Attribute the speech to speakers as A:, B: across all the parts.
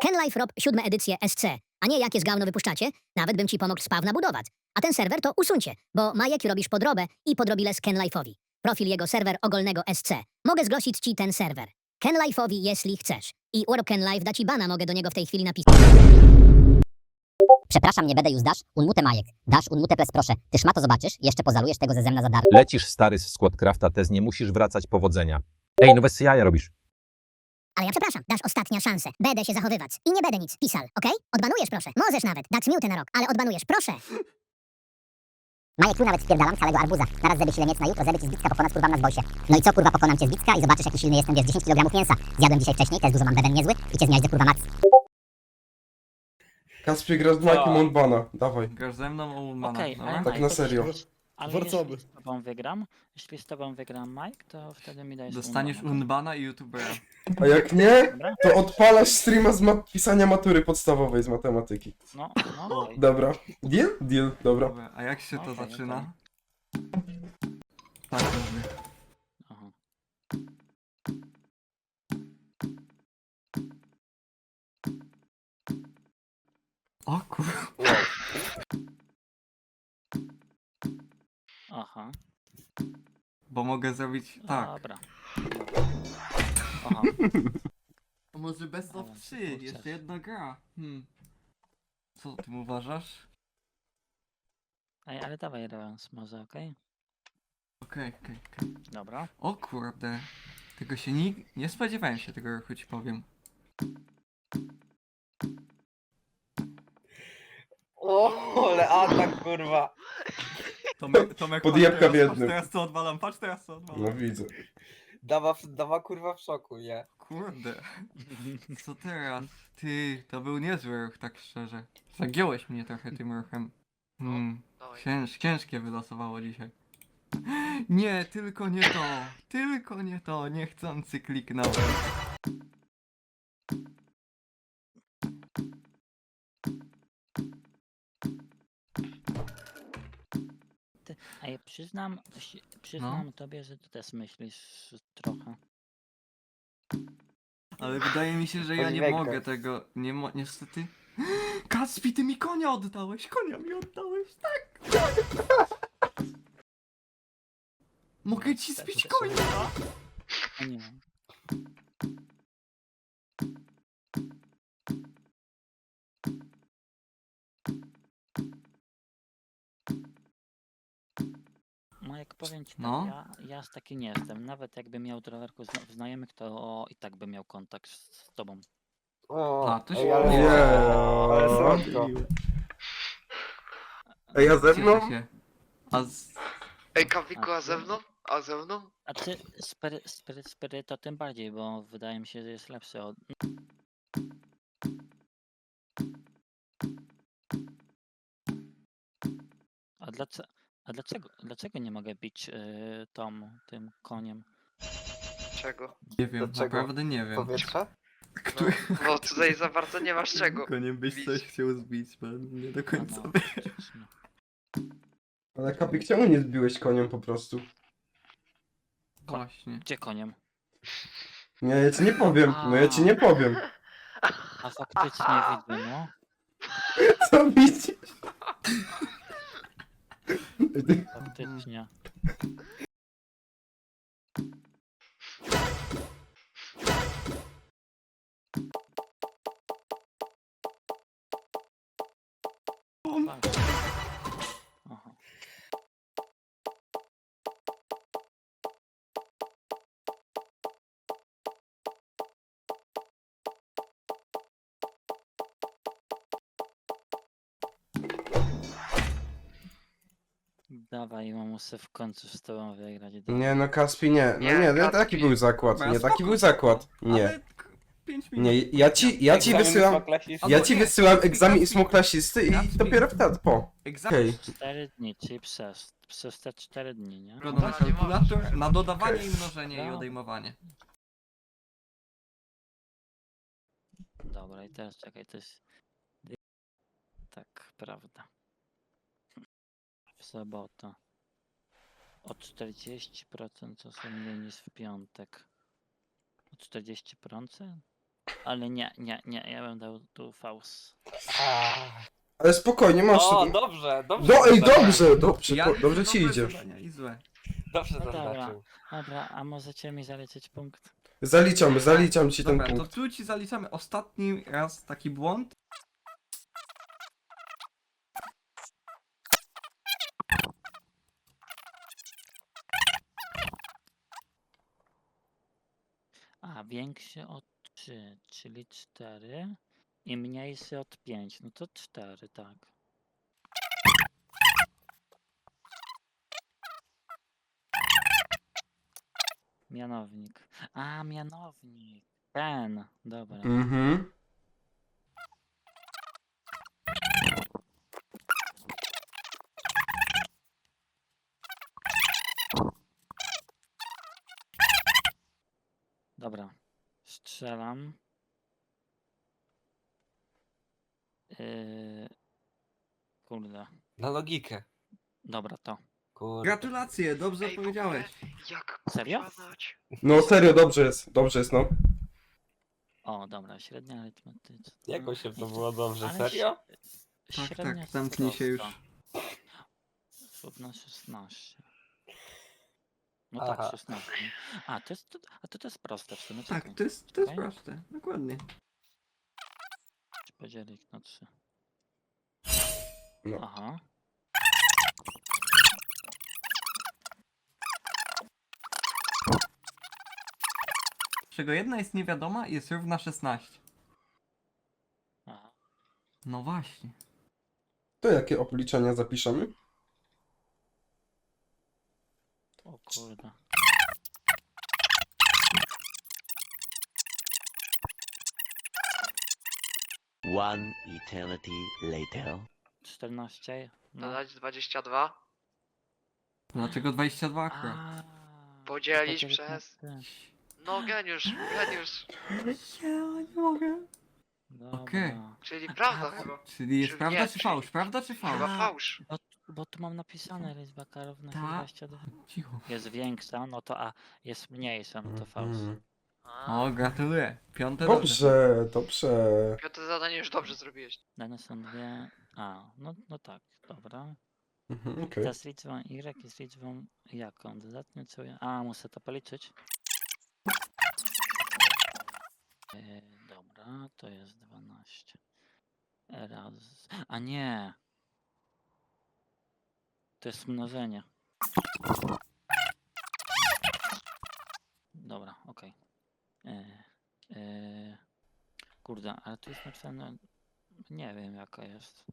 A: Kenlife Rob 7 edycję SC, a nie jakie z gówno wypuszczacie, nawet bym ci pomógł spawna budować. A ten serwer to usuńcie, bo Majek robisz podrobę i podrobile z Kenlife'owi. Profil jego serwer ogólnego SC. Mogę zgłosić ci ten serwer. Kenlife'owi, jeśli chcesz. I Warp Kenlife da ci bana, mogę do niego w tej chwili napisać.
B: Przepraszam, nie będę już dasz, unmute Majek. Dasz, unmute ples proszę. Ty szmato zobaczysz, jeszcze pozalujesz tego ze zemna za darmo.
C: Lecisz stary z Squadcrafta, tez nie musisz wracać, powodzenia. Ej, no bez jaja robisz.
A: Ale ja przepraszam, dasz ostatnia szansę. Będę się zachowywać. I nie będę nic pisał, okej? Odbanujesz proszę. Możesz nawet dać miutę na rok, ale odbanujesz, proszę.
B: Majek, tu nawet spierdalam całego arbuza. Naraz zeby silniec na jutro, zeby ci z bicka pokonać kurwa na zbojsie. No i co kurwa, pokonam cię z bicka i zobaczysz jaki silny jestem, wiesz, 10 kg mięsa. Zjadłem dzisiaj wcześniej, też dużo mam beben niezły i cię zmiażdżę kurwa max.
D: Kasper, grasz z Majkiem Unbana, dawaj.
E: Grasz ze mną o Ulmana,
F: Okej,
E: dobra?
F: ale
D: Tak
F: Mike,
D: na serio.
F: Ale
G: Wracamy.
F: jeśli z tobą wygram Mike, to wtedy mi dajesz
E: Dostaniesz
F: Unbana.
E: Unbana i YouTubera.
D: A jak nie,
F: Dobra?
D: to odpalasz streama z pisania matury podstawowej z matematyki.
F: No, okej.
D: Dobra. Deal? Deal, dobra.
E: Dobra, a jak się to
F: Okej,
E: zaczyna? Tak mówię.
F: Aha.
E: O kurwa.
F: Aha.
E: Bo mogę zrobić tak.
F: Dobra. Aha.
E: A może best of
F: Ale
E: 3,
F: kurczę.
E: jeszcze jedna gra. Co o tym uważasz?
F: Ej, ale dawaj rewans może, okej?
E: Okej.
F: Dobra.
E: O kurde. Tego się nie spodziewałem się tego ruchu, ci powiem.
G: O, ale atak, kurwa.
E: Tomek,
D: Podjebka w
E: patrz
D: jednym.
E: teraz co odwalam, patrz teraz co odwalam.
D: No widzę.
G: Dawa kurwa w szoku, nie?
E: Kurde. Co teraz? Ty, to był niezły ruch, tak szczerze. Zagiąłeś mnie trochę tym ruchem. Ciężkie wylosowało dzisiaj. Nie, tylko nie to. Tylko nie to. Niechcący kliknąłem.
F: A ja przyznam tobie, że ty też myślisz trochę.
E: Ale wydaje mi się, że ja nie
G: Podziwiaj
E: mogę
G: go.
E: tego. Niestety. Kacpi, ty mi konia oddałeś! Konia mi oddałeś, tak! Mogę ci zbić konia!
F: A nie wiem. Majek, powiem ci tak,
E: No.
F: ja z taki nie jestem. Nawet jakbym miał trowerku znajomych, to i tak bym miał kontakt z tobą.
G: O,
E: A, to się
G: ej, ale,
E: nie.
G: ale słodko.
D: Ej, a ze mną?
E: Cieszę się. A z...
H: Ej, Kawiku, a ze mną? A ze mną?
F: A ty Spiry to tym bardziej, bo wydaje mi się, że jest lepszy od... Dlaczego nie mogę bić tym koniem?
H: Czego?
E: Nie wiem,
G: Dlaczego?
E: naprawdę nie wiem.
G: Powietrza?
E: Który
H: Bo tutaj za bardzo nie masz czego.
E: koniem byś
H: bić.
E: coś chciał zbić, bo nie do końca
F: No,
E: wiem.
F: faktycznie.
D: Ale Kapik, czemu nie zbiłeś koniem po prostu?
E: Właśnie.
F: Gdzie koniem?
D: Nie, ja ci nie powiem, no ja ci nie powiem.
F: A faktycznie widzę, no.
D: Co widzisz?
F: Faktycznie. Fakt. Aha. Dawaj, muszę w końcu z tobą wygrać.
D: Nie, no Kaspi nie. No
H: Nie,
D: nie,
H: Kaspi.
D: taki był zakład.
E: Dobra,
D: Nie, taki
E: spoko,
D: był zakład.
E: spoko.
D: Nie.
E: Ale 5 minut.
D: Nie, ja ci wysyłam. Ja ci wysyłam egzamin ósmoklasisty i dopiero wtedy po.
E: Egzamin.
D: Okej.
F: 4 dni, czyli przez te 4 dni, nie?
E: Wygląda na
H: No, nie
E: kalkulator, na dodawanie
D: Okej.
E: i mnożenie i
F: No.
E: odejmowanie.
F: Dobra, i teraz czekaj, to jest... Tak, prawda. W sobotę. O 40% co są mniej niż w piątek. O 40%? Ale nie, ja bym dał tu Faust.
D: Ale spokojnie, masz...
G: O, dobrze, dobrze.
D: No ej,
G: zaznaczył.
D: dobrze, dobrze ci
E: dobre
D: idzie.
E: zadania i złe.
G: Dobrze
F: No dobra.
G: zaznaczył.
F: Dobra, a możecie mi zaliczyć punkt?
D: Zaliczam ci ten
E: Dobra, to
D: punkt.
E: tu ci zaliczamy ostatni raz taki błąd.
F: A, większy od 3, czyli 4 i mniejszy od 5, no to 4, tak. Mianownik. A, mianownik. Ten, dobra.
D: Mhm.
F: Dobra. Strzelam. Kurde.
G: Na logikę.
F: Dobra, to.
G: Kurde.
E: Gratulacje, dobrze
H: Ej, w
E: powiedziałeś.
H: ogóle, Jak
F: Serio?
H: kurwa znać?
D: No serio, dobrze jest, no.
F: O, dobra, średnia arytmetyczna.
G: Jakoś się to było dobrze,
F: Ale
G: serio?
E: Tak,
F: Średnia
E: tak, zamknij się już.
F: Równa 16. No
G: Aha.
F: tak, 16. A, to jest proste w sumie.
E: Tak,
F: czekaj.
E: to jest
F: Okej.
E: proste, dokładnie.
F: Podzielić na 3.
D: No.
F: Aha.
E: Z czego jedna jest niewiadoma i jest równa 16.
F: Aha.
E: No właśnie.
D: To jakie obliczenia zapiszemy?
F: O kurde.
I: One eternity later.
F: 14. No.
H: Dodać 22?
E: Dlaczego 22 akurat?
F: A,
H: Podzielić
F: podzielić na
H: przez-
F: trzy.
H: No geniusz.
E: Ja nie mogę.
F: Dobra.
E: Okej.
H: Czyli prawda chyba.
E: Czyli jest
H: Czy
E: prawda
H: nie,
E: czy
H: czyli-
E: fałsz? Prawda czy
H: Chyba
E: fałsz?
H: fałsz.
F: Bo tu mam napisane liczba równa się
E: Tak.
F: 22.
E: Cicho.
F: Jest większa, no to A. Jest mniejsza, no to Faust.
D: Mhm.
H: A,
E: O, gratuluję. Piąte dobrze.
D: Dobrze.
H: piąte zadanie już dobrze zrobiłeś.
F: Dane są dwie. A, no tak, dobra.
D: Mhm, okej.
F: Ta z liczbą Y jest liczbą jaką? Dodatnio co ja... A, muszę to policzyć. Dobra, to jest 12. Raz. A nie! To jest mnożenie. Dobra, okej. Kurde, ale tu jest napisane... Nie wiem jaka jest.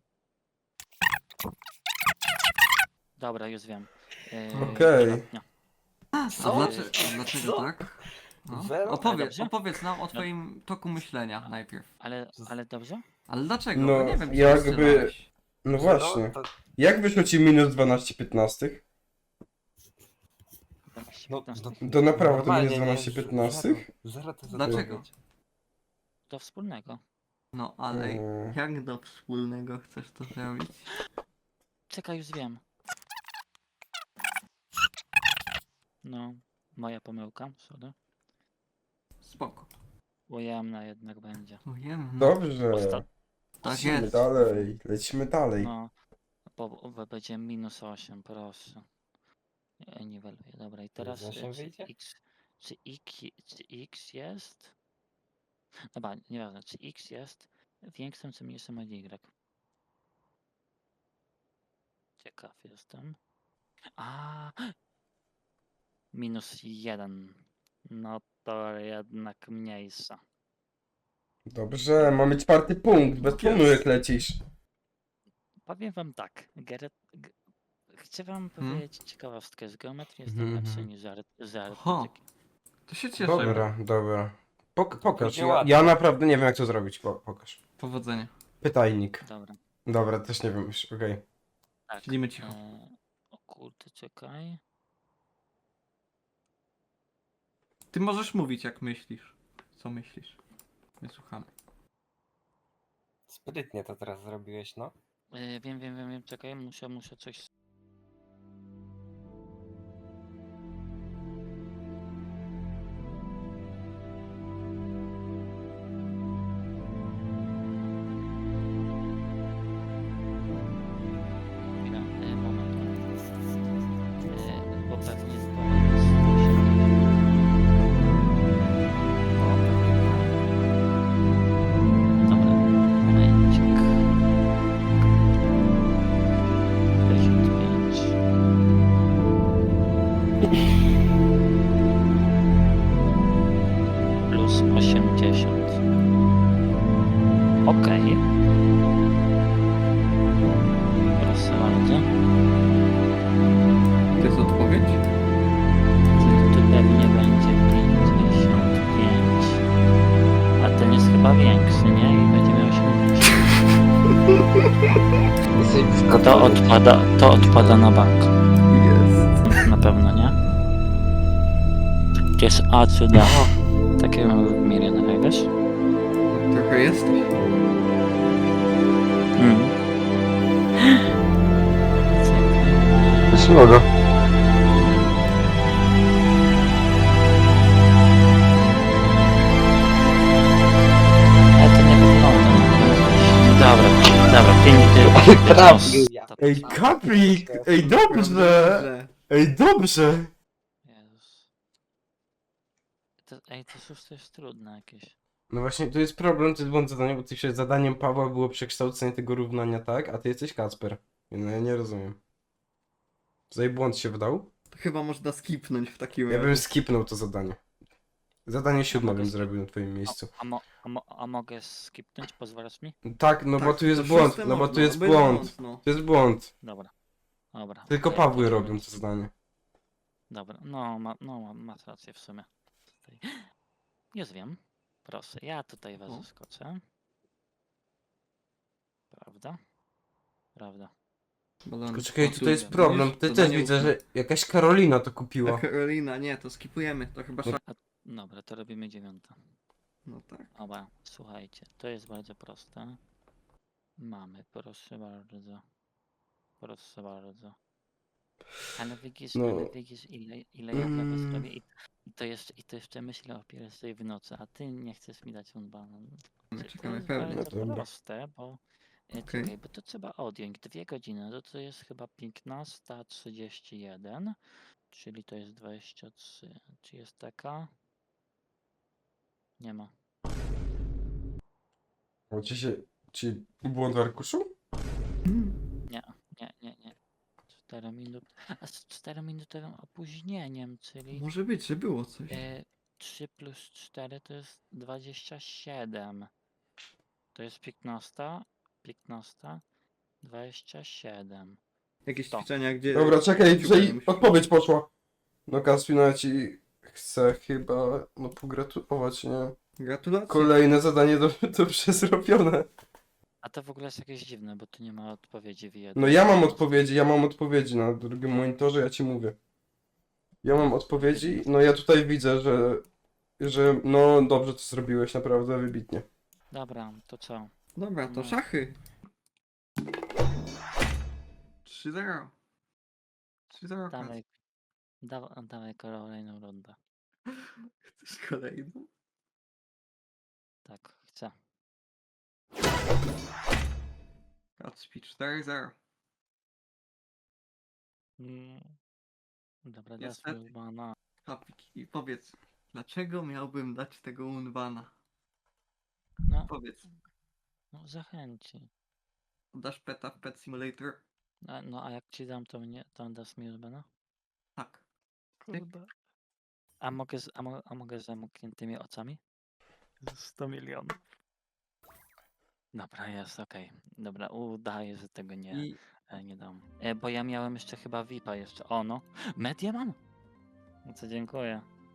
F: Dobra, już wiem.
D: Okej.
F: dodatnia.
E: A
G: Co?
E: dlaczego
G: Co?
E: tak? No.
G: Zero?
E: Opowiedz,
F: Dobrze?
E: opowiedz nam o twoim toku myślenia najpierw.
F: Ale dobrze?
E: Ale dlaczego?
D: No,
E: Bo nie wiem, czy
D: jakby-
E: wstrzymałeś.
D: No właśnie.
G: To,
D: Jak wyszło ci minus 12 15?
F: 12,
G: no,
F: 15.
D: To naprawdę
G: normalnie,
D: minus 12 15?
G: Zero to
E: Dlaczego?
F: Do wspólnego.
E: No, ale jak do wspólnego chcesz to zrobić?
F: Czekaj, już wiem. No, moja pomyłka, sorry.
E: Spoko.
F: Ujemna jednak będzie.
E: Wiem.
D: Dobrze.
E: Tak
D: Lecimy
E: jest.
D: dalej, lecimy dalej.
F: No, bo będzie minus 8, proszę. Niweluję, dobra. I teraz
G: Minus 8
F: czy
G: wyjdzie?
F: czy x jest? Dobra, nieważne, czy x jest większym czy mniejszym od y? Ciekaw jestem. A, minus 1. No to jednak mniejsza.
D: Dobrze, mamy 4 punkt, bez tłumu jak lecisz.
F: Powiem wam tak, chcę wam
E: Hmm?
F: powiedzieć ciekawostkę. Z geometrii jestem
D: Mhm.
F: lepszy niż z
E: Aha.
F: arytmetyki.
E: To się cieszę.
D: Dobra. Pokaż,
G: Będzie
D: ja
G: ładnie.
D: naprawdę nie wiem jak to zrobić, pokaż.
E: Powodzenia.
D: Pytajnik.
F: Dobra,
D: Dobra, też nie wiem już, okej.
F: tak.
E: Siedzimy cicho.
F: O kurde, czekaj.
E: Ty możesz mówić jak myślisz. Co myślisz? My słuchamy.
G: sprytnie to teraz zrobiłeś, no.
F: Wiem, czekaj, muszę coś... To odpada na bank.
E: Jest.
F: Na pewno, nie? To jest A czy D. Takie mamy w milionach, wiesz?
E: No, trochę jesteś.
D: Jest logo.
F: Ale to nie wygląda. Dobra, 5
D: Ej, Kapik! Ej, dobrze! Ej, dobrze!
F: Jezus. To szóste jest trudne jakieś.
D: No właśnie, tu jest problem, to jest błąd zadania, bo ty zadaniem Pawła było przekształcenie tego równania tak, a ty jesteś Kacper. No ja nie rozumiem. Tutaj błąd się wdał?
E: To chyba można skipnąć w takim
D: Ja
E: razie.
D: bym skipnął to zadanie. Zadanie 7
F: mogę
D: bym
F: skip-
D: zrobił na twoim miejscu.
F: A mogę skipnąć? Pozwalasz mi?
D: Tak, no bo
E: Tak,
D: tu jest
E: to
D: błąd,
E: szóste
D: no bo
E: można,
D: tu jest
E: bez
D: błąd.
E: no.
D: To jest błąd.
F: Dobra.
D: Tylko
F: To ja
D: Pawły
F: potem
D: robią
F: będę-
D: to zadanie.
F: Dobra, masz rację w sumie. Tutaj. Już wiem. Proszę, ja tutaj was
E: O.
F: zaskoczę. Prawda? Prawda.
E: Balon.
D: Tylko czekaj,
E: O,
D: tutaj jest
E: tu,
D: problem.
E: widzisz?
D: Ty też
E: Zadanie
D: widzę,
E: ósme.
D: że jakaś Karolina to
E: A
D: kupiła.
E: Karolina, nie, to skipujemy. To chyba
D: No.
E: szach.
F: Dobra, to robimy 9.
E: No tak.
F: Dobra, słuchajcie, to jest bardzo proste. Mamy, proszę bardzo. Proszę bardzo. Ale widzisz,
D: No.
F: ile ja dla was robię i to jeszcze myślę o pierwszej w nocy, a ty nie chcesz mi dać unbana.
E: My
F: To
E: czekamy
F: jest
E: pewnie.
F: bardzo
D: Dobra.
F: proste, bo
E: Okej.
F: czekaj, bo to trzeba odjąć 2 godziny, to jest chyba 15:31, czyli to jest 23. Czy jest taka? Nie ma.
D: O, ci błąd w arkuszu?
F: Nie. 4 minut. A z 4-minutowym opóźnieniem, czyli
E: Może być, że było coś.
F: 3 plus 4 to jest 27. To jest 15, 27.
E: Jakieś
F: to.
E: ćwiczenia, gdzie...
D: Dobra, czekaj,
E: Super,
D: że
E: musisz-
D: odpowiedź poszła. No Kaspina, ja ci chcę chyba, no pogratulować, nie?
E: Gratulacje.
D: Kolejne zadanie dobrze zrobione.
F: A to w ogóle jest jakieś dziwne, bo tu nie ma odpowiedzi w jednym.
D: No ja mam odpowiedzi na drugim monitorze, ja ci mówię. Ja mam odpowiedzi, no ja tutaj widzę, że no dobrze to zrobiłeś, naprawdę wybitnie.
F: Dobra, to co?
E: Dobra, to
F: No.
E: szachy. 3-0. 3-0.
F: Dawaj, dawaj kolejną rundę.
E: Chcesz kolejną?
F: Tak, chcę.
E: Kacpi 4-0.
F: Dobra, dasz
E: Niestety.
F: mi unbana.
E: Kapik, i powiedz, dlaczego miałbym dać tego unbana?
F: No,
E: Powiedz,
F: zachęci.
E: dasz peta w Pet Simulator?
F: No a jak ci dam, to dasz mi unbana?
E: Tak.
F: Kurde. A mogę z zamkniętymi oczami? 100 milionów. Dobra, jest, okej. Dobra, udaję, że tego
E: I
F: nie dam. Bo ja miałem jeszcze chyba VIP-a jeszcze. O no. Mediaman? No co, dziękuję.